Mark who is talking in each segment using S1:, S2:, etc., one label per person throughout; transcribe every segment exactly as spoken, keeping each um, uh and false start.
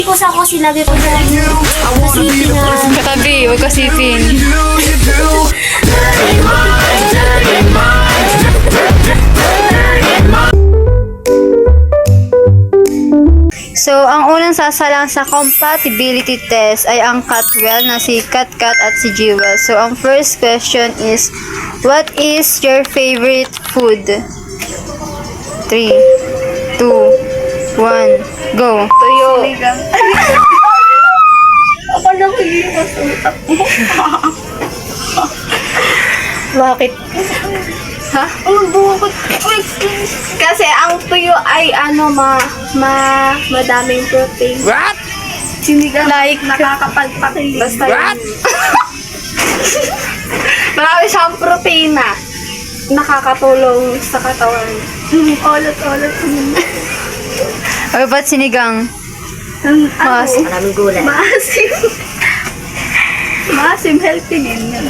S1: po sa ako silagay ko na nasipin na.
S2: Katabi, huwag kasipin. So, ang unang sasalang sa compatibility test ay ang Catwell na si Katkat at si Jewel. So, ang first question is, what is your favorite food? three, two, one, go.
S3: Tuyo. Ako lang hindi mo sa utak mo.
S2: Bakit?
S3: Ha? Ang bukod. Kasi ang tuyo ay ano, ma, ma, madaming protein.
S2: What?
S3: Sinigang
S2: Like?
S3: nakakapagpakilig. Basta
S2: What?
S3: yun. Marami siyang proteina. Nakakatulong sa katawan. Olot-olot.
S2: Or ba't sinigang?
S3: Ang
S2: Mas-
S3: ano,
S1: Maraming gulay.
S3: maasim. Maasim, healthy din yun.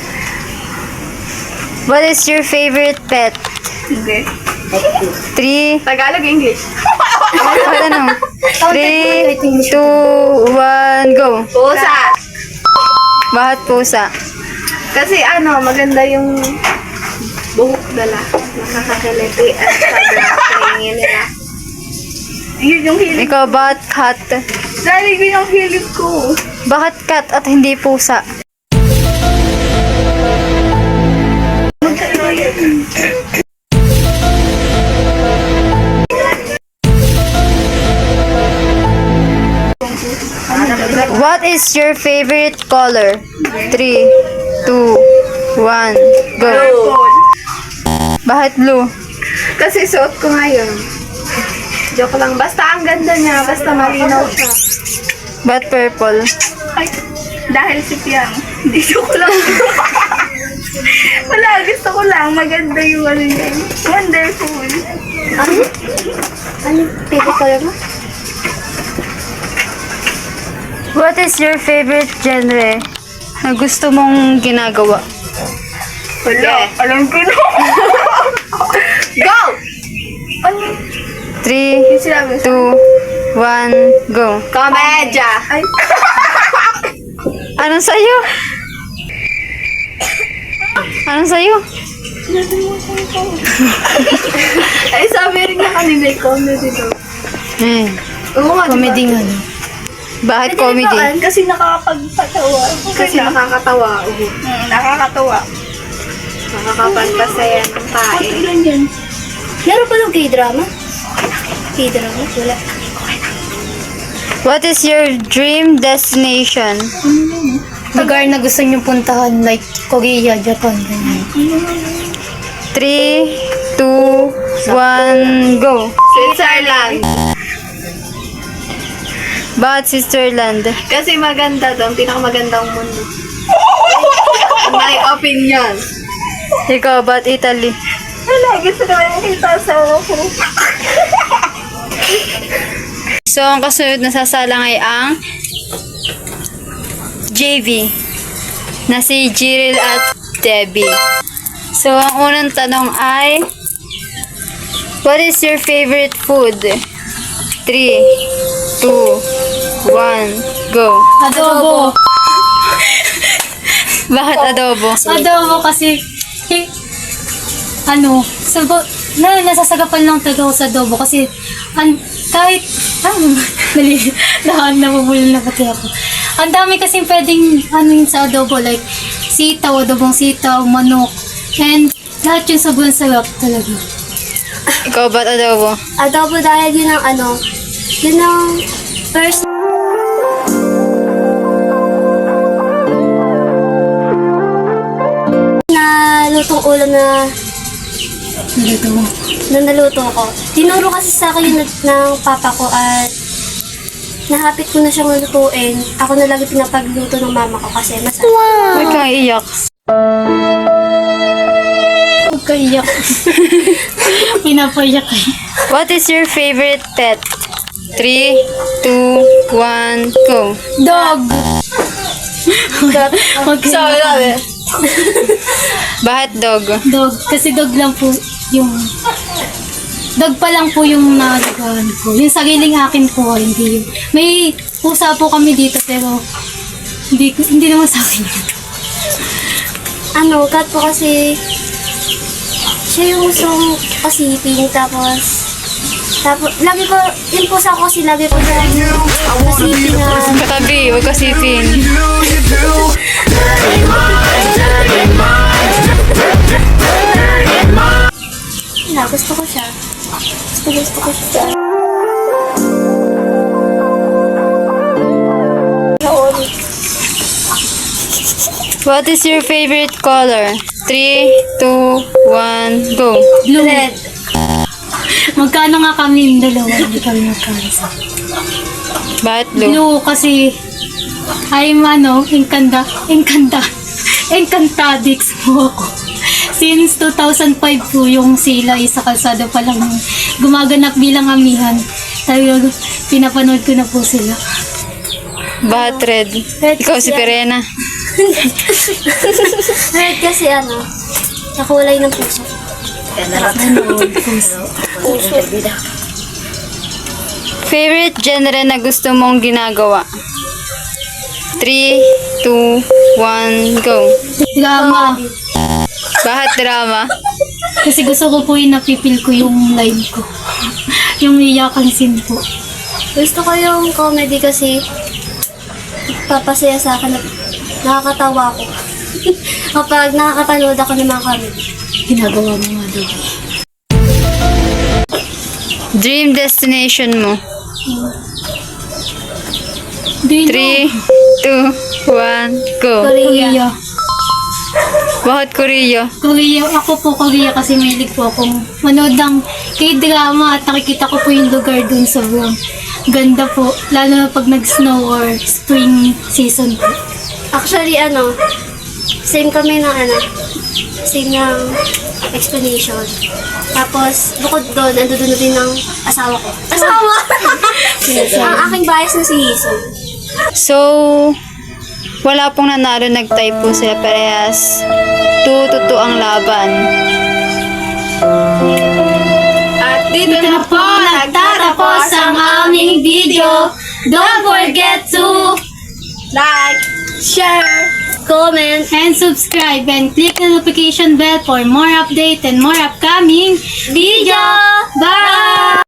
S2: What is your favorite pet?
S3: Hindi.
S2: three,
S3: Tagalog, English.
S2: what ano? three, two, one, go.
S3: Pusa.
S2: Bakit pusa?
S3: Kasi ano, maganda yung buhok nila. Nakakakiliti at sobrang tingin nila. Yun yung hilig.
S2: Ikaw, bakit cat?
S3: Dahil yun yung hilig ko.
S2: Bakit cat at hindi pusa? What is your favorite color? three, two, one, go.
S3: Purple.
S2: Bakit blue?
S3: Kasi suot ko ngayon. Joke lang. Basta ang ganda niya. Basta malinaw siya.
S2: Bakit purple?
S3: Ay, dahil si Piang. Hindi joke lang. Wala, gusto ko lang. Maganda yung ano niya. Wonderful.
S1: Ano? Ano yung favorite color mo?
S2: What is your favorite genre na gusto mong ginagawa?
S3: Wala. Alam ko na. Go! Ano?
S2: three,
S3: Yung sinabi sa
S2: two, one, go.
S3: komedya. Ay,
S2: Anong sa'yo? Anong sa'yo?
S3: ay sabi rin niya kanina yung comedy daw.
S2: Eh,
S3: Oo nga,
S2: comedy
S3: diba?
S2: nga. Bakit
S3: Pwede
S2: comedy?
S3: naman, kasi nakakapagpatawa. Kasi nakakatawa. Oo. Hmm, nakakatawa. Nakakapagpasaya ng tae. Ilan yan?
S1: Meron pa ng K-drama? K-drama? Wala.
S2: What is your dream destination?
S4: Lugar na gusto niyo puntahan, like Korea, Japan, ganyan.
S2: three, two, one, go.
S3: Switzerland.
S2: Bakit Switzerland?
S3: Kasi maganda doon. Pinakamagandang mundo. My opinion.
S2: Ikaw, bakit Italy?
S3: Wala, gusto naman yung kita sa ako.
S2: So, ang kasunod na sasalang ay ang J V na si Jiril at Debbie. So, ang unang tanong ay, what is your favorite food? three, two, one, go.
S4: Adobo.
S2: Bakit adobo?
S4: Adobo kasi, eh, ano, sago, na, nasasagapan lang talaga ako sa adobo kasi, an, kahit, ah, nali, na, nabubulol na pati ako. Ang dami kasi pwedeng, ano yun sa adobo, like, sitaw, adobong sitaw, manok, and lahat yung sobrang sarap talaga.
S2: Ikaw, ba't adobo?
S1: Adobo dahil yun ang ano, yun ang first na lutong ulam na
S4: Nalito mo.
S1: na naluto ko. Tinuro kasi sa akin yun ng- ng papa ko at nahapit ko na siyang lutuin. Ako na lagi pinapagluto ng mama ko kasi masarap.
S2: Huwag kang iyak.
S4: Huwag ka iyak. Pinapayak eh.
S2: What is your favorite pet? three, two, one, go.
S4: Dog! Huwag ka
S3: Sabi
S4: iyak.
S3: namin.
S2: Bakit dog?
S4: Dog. Kasi dog lang po yung... Dog pa lang po yung nalagawan ko. Yung sariling akin po, hindi yun. May pusa po kami dito pero hindi, hindi naman sa akin.
S1: Ano, cat po kasi siya yung gustong pasiping, tapos tapos, lagi ko, yung pusa ko kasi lagi ko siya pasiping na
S2: Katabi, huwag kasipin.
S1: na, gusto ko siya. Gusto, gusto ko siya.
S2: What is your favorite color? three, two, one, go.
S4: Blue.
S1: Red.
S4: Magkano nga kami yung dalawa? Hindi kami magkano.
S2: Bakit blue?
S4: Blue kasi I'm ano, enkanda, enkanda, enkantadix po ako. Since two thousand five po yung sila isa kalsada pa lang gumaganap bilang amihan. Talagang pinapanood ko na po sila.
S2: Bakit red?
S1: Red
S2: Ikaw
S1: kasi
S2: si Perena.
S1: Red kasi ano, nakulay ng puso. Puso.
S2: Favorite genre na gusto mong ginagawa? three, two, one, go.
S4: Drama.
S2: Bakit drama?
S4: Kasi gusto ko po yung napipil ko yung line ko. Yung iyakan scene po.
S1: Gusto ko yung comedy kasi papasaya sa akin at nakakatawa ako. Kapag nakakapanood ako ng mga comedy.
S4: Ginagawa mo nga daw.
S2: Dream destination mo?
S4: Di
S2: three, two, one, go.
S1: Korea.
S4: Korea.
S2: Bakit Korea?
S4: Korea. Ako po Korea kasi mahilig po akong manood ng K-drama at nakikita ko po yung lugar dun sa sobrang ganda po. Lalo na pag nag-snow or spring season po.
S1: Actually, ano, same kami ng ano, same ng explanation. Tapos, bukod doon, ando doon na din ng asawa ko. Asawa! Ang aking bias na si Hazel.
S2: So, wala pong nanalo, nag-tie po sila parehas. two to two ang laban.
S3: At dito
S4: Ito na po nagtatapos ang aming video. Don't forget to
S3: like, share,
S1: Comment.
S4: and subscribe and click the notification bell for more update and more upcoming video. Bye!